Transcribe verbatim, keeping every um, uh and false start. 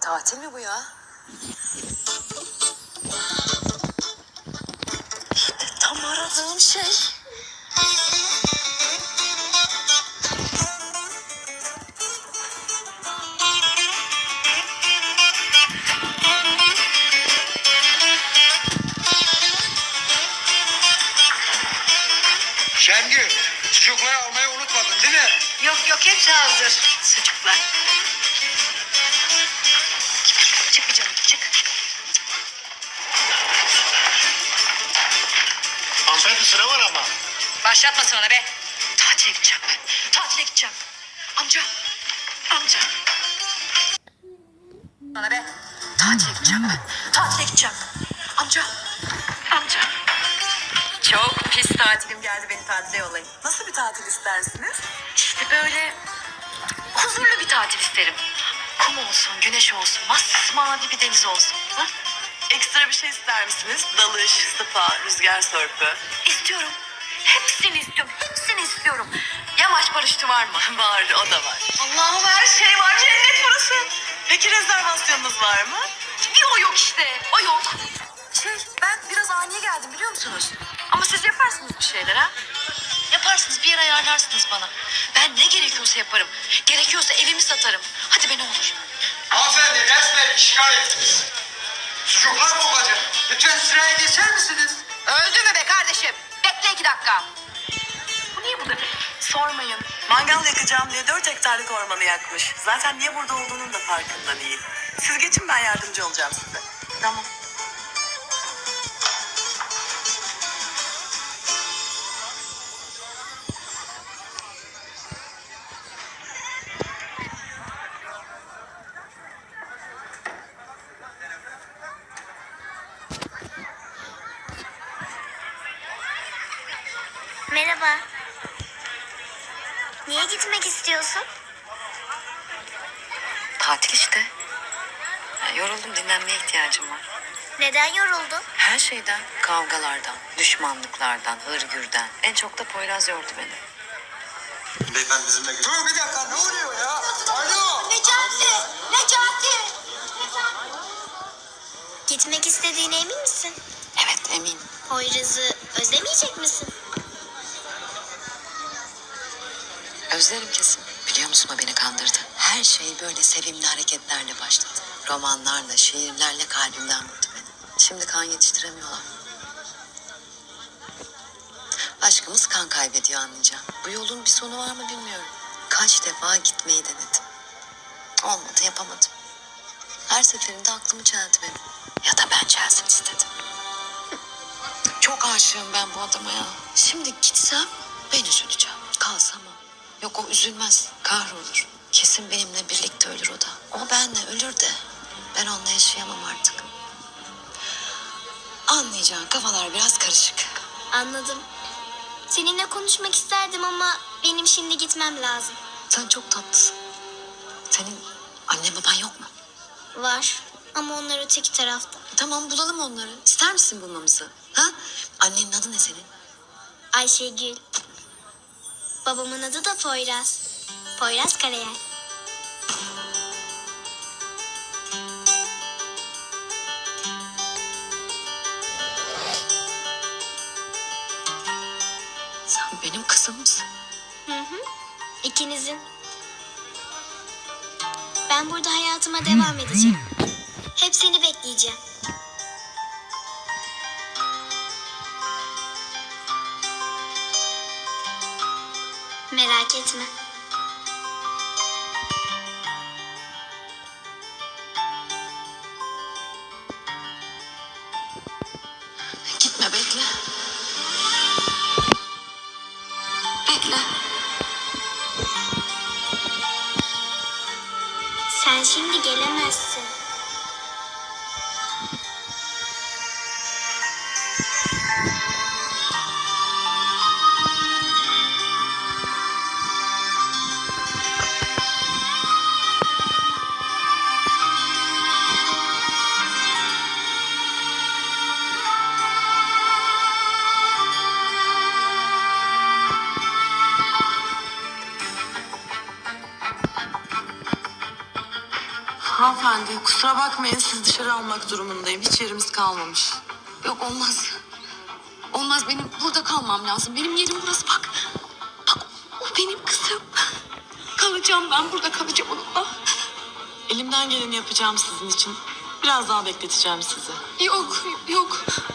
Tatil mi bu ya? İşte tam aradığım şey. Şengül, sucukları almayı unutmadın değil mi? Yok yok, hepsi hazır. Sucuklar. Çık bir canım, çık. Hanımefendi sıra var ama. Başlatma sonra be. Tatile gideceğim ben. Tatile gideceğim. Amca. Amca. Sana be. Tatile gideceğim ben. Tatile gideceğim. Amca. Amca. Çok pis tatilim geldi, beni tatile yollayın. Nasıl bir tatil istersiniz? İşte böyle huzurlu bir tatil isterim. Kum olsun, güneş olsun, masmavi bir deniz olsun. Hı? Ekstra bir şey ister misiniz? Dalış, spa, rüzgar sörpü. İstiyorum. Hepsini istiyorum. Hepsini istiyorum. Yamaç paraşütü var mı? Var, o da var. Allah'ım, her şey var. Cennet burası. Peki rezervasyonunuz var mı? Bir o yok işte. O yok. Şey, ben biraz ani geldim biliyor musunuz? Ama siz yaparsınız bir şeyler ha? Yaparsınız, bir yer ayarlarsınız bana. Ben ne gerekiyorsa yaparım. Gerekiyorsa evimi satarım. Hadi be, ne olur. Hanımefendi resmen işgal ettiniz. Sucuklar kokacak. Lütfen sıraya geçer misiniz? Öldü mü be kardeşim? Bekle iki dakika. Bu niye burada? Sormayın. Mangal yakacağım diye dört hektarlık ormanı yakmış. Zaten niye burada olduğunun da farkında değil. Siz geçin, ben yardımcı olacağım size. Tamam. Merhaba. Niye gitmek istiyorsun? Tatil işte. Ya, yoruldum, dinlenmeye ihtiyacım var. Neden yoruldun? Her şeyden, kavgalardan, düşmanlıklardan, hırgürden. En çok da Poyraz yordu beni. Beyefendi bizimle gel. Dur bir dakika, ne oluyor ya? Alo. Necati! Necati! Gitmek istediğine emin misin? Evet, eminim. Poyraz'ı özlemeyecek misin? Özlerim kesin. Biliyor musun, o beni kandırdı. Her şey böyle sevimli hareketlerle başladı. Romanlarla, şiirlerle kalbimden vurdu beni. Şimdi kan yetiştiremiyorlar. Aşkımız kan kaybediyor, anlayacağım. Bu yolun bir sonu var mı bilmiyorum. Kaç defa gitmeyi denedim. Olmadı, yapamadım. Her seferinde aklımı çeldi benim. Ya da ben çelsin istedim. Çok aşığım ben bu adama ya. Şimdi gitsem ben üzüleceğim. Kalsam o. Yok, o üzülmez, kahrolur. Kesin benimle birlikte ölür o da. O benle ölür de ben onunla yaşayamam artık. Anlayacağın, kafalar biraz karışık. Anladım. Seninle konuşmak isterdim ama benim şimdi gitmem lazım. Sen çok tatlısın. Senin annen baban yok mu? Var ama onlar öteki tarafta. Tamam, bulalım onları. İster misin bulmamızı? Ha? Annenin adı ne senin? Ayşegül. Babamın adı da Poyraz. Poyraz Karayel. Sen benim kızımsın. Hı hı. İkinizin. Ben burada hayatıma devam edeceğim. Hep seni bekleyeceğim. Merak etme. Gitme, bekle. Bekle. Sen şimdi gelemezsin. Hanımefendi kusura bakmayın siz dışarı almak durumundayım. Hiç yerimiz kalmamış. Yok olmaz. Olmaz, benim burada kalmam lazım. Benim yerim burası, bak. Bak o benim kızım. Kalacağım, ben burada kalacağım onunla. Elimden geleni yapacağım sizin için. Biraz daha bekleteceğim sizi. Yok yok.